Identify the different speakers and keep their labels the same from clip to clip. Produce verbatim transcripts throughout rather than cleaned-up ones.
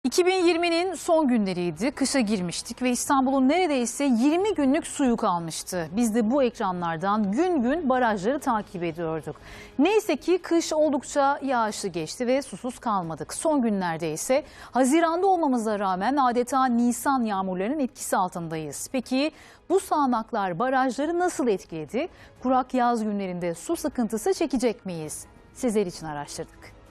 Speaker 1: iki bin yirminin son günleriydi. Kışa girmiştik ve İstanbul'un neredeyse yirmi günlük suyu kalmıştı. Biz de bu ekranlardan gün gün barajları takip ediyorduk. Neyse ki kış oldukça yağışlı geçti ve susuz kalmadık. Son günlerde ise Haziran'da olmamıza rağmen adeta Nisan yağmurlarının etkisi altındayız. Peki bu sağanaklar barajları nasıl etkiledi? Kurak yaz günlerinde su sıkıntısı çekecek miyiz? Sizler için araştırdık.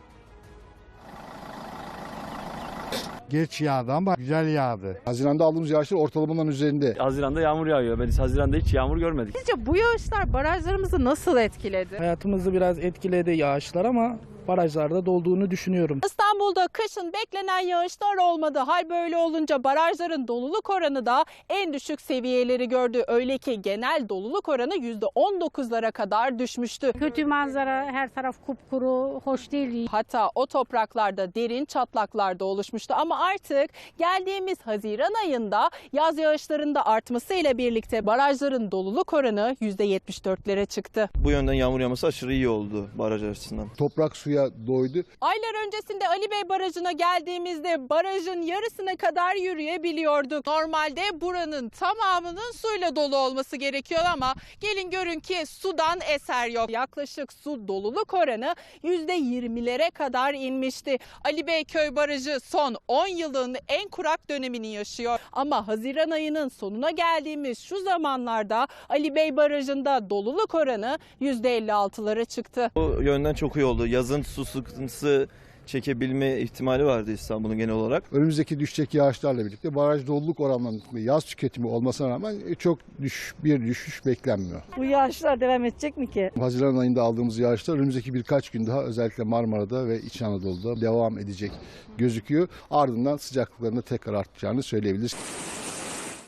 Speaker 2: Geç yağdı ama güzel yağdı.
Speaker 3: Haziran'da aldığımız yağışlar ortalamaların üzerinde.
Speaker 4: Haziran'da yağmur yağıyor. Biz Haziran'da hiç yağmur görmedik.
Speaker 5: Sizce bu yağışlar barajlarımızı nasıl etkiledi?
Speaker 6: Hayatımızı biraz etkiledi yağışlar ama barajlarda dolduğunu düşünüyorum.
Speaker 5: İstanbul'da kışın beklenen yağışlar olmadı. Hal böyle olunca barajların doluluk oranı da en düşük seviyeleri gördü. Öyle ki genel doluluk oranı yüzde on dokuzlara kadar düşmüştü.
Speaker 7: Kötü manzara, her taraf kupkuru, hoş değil.
Speaker 5: Hatta o topraklarda derin çatlaklar da oluşmuştu. Ama artık geldiğimiz Haziran ayında yaz yağışlarında artmasıyla birlikte barajların doluluk oranı yüzde yetmiş dörtlere çıktı.
Speaker 8: Bu yönden yağmur yağması aşırı iyi oldu baraj açısından.
Speaker 3: Toprak suya doydu.
Speaker 5: Aylar öncesinde Ali Bey Barajı'na geldiğimizde barajın yarısına kadar yürüyebiliyorduk. Normalde buranın tamamının suyla dolu olması gerekiyor ama gelin görün ki sudan eser yok. Yaklaşık su doluluk oranı yüzde yirmilere kadar inmişti. Ali Bey Köy Barajı son on yılın en kurak dönemini yaşıyor. Ama Haziran ayının sonuna geldiğimiz şu zamanlarda Ali Bey Barajı'nda doluluk oranı yüzde elli altılara çıktı.
Speaker 8: Bu yönden çok iyi oldu. Yazın su sıkıntısı çekebilme ihtimali vardı İstanbul'un genel olarak.
Speaker 3: Önümüzdeki düşecek yağışlarla birlikte baraj doluluk oranlarında yaz tüketimi olmasına rağmen çok düş, bir düşüş beklenmiyor.
Speaker 7: Bu yağışlar devam edecek mi ki?
Speaker 3: Haziran ayında aldığımız yağışlar önümüzdeki birkaç gün daha özellikle Marmara'da ve İç Anadolu'da devam edecek gözüküyor. Ardından sıcaklıkların da tekrar artacağını söyleyebiliriz.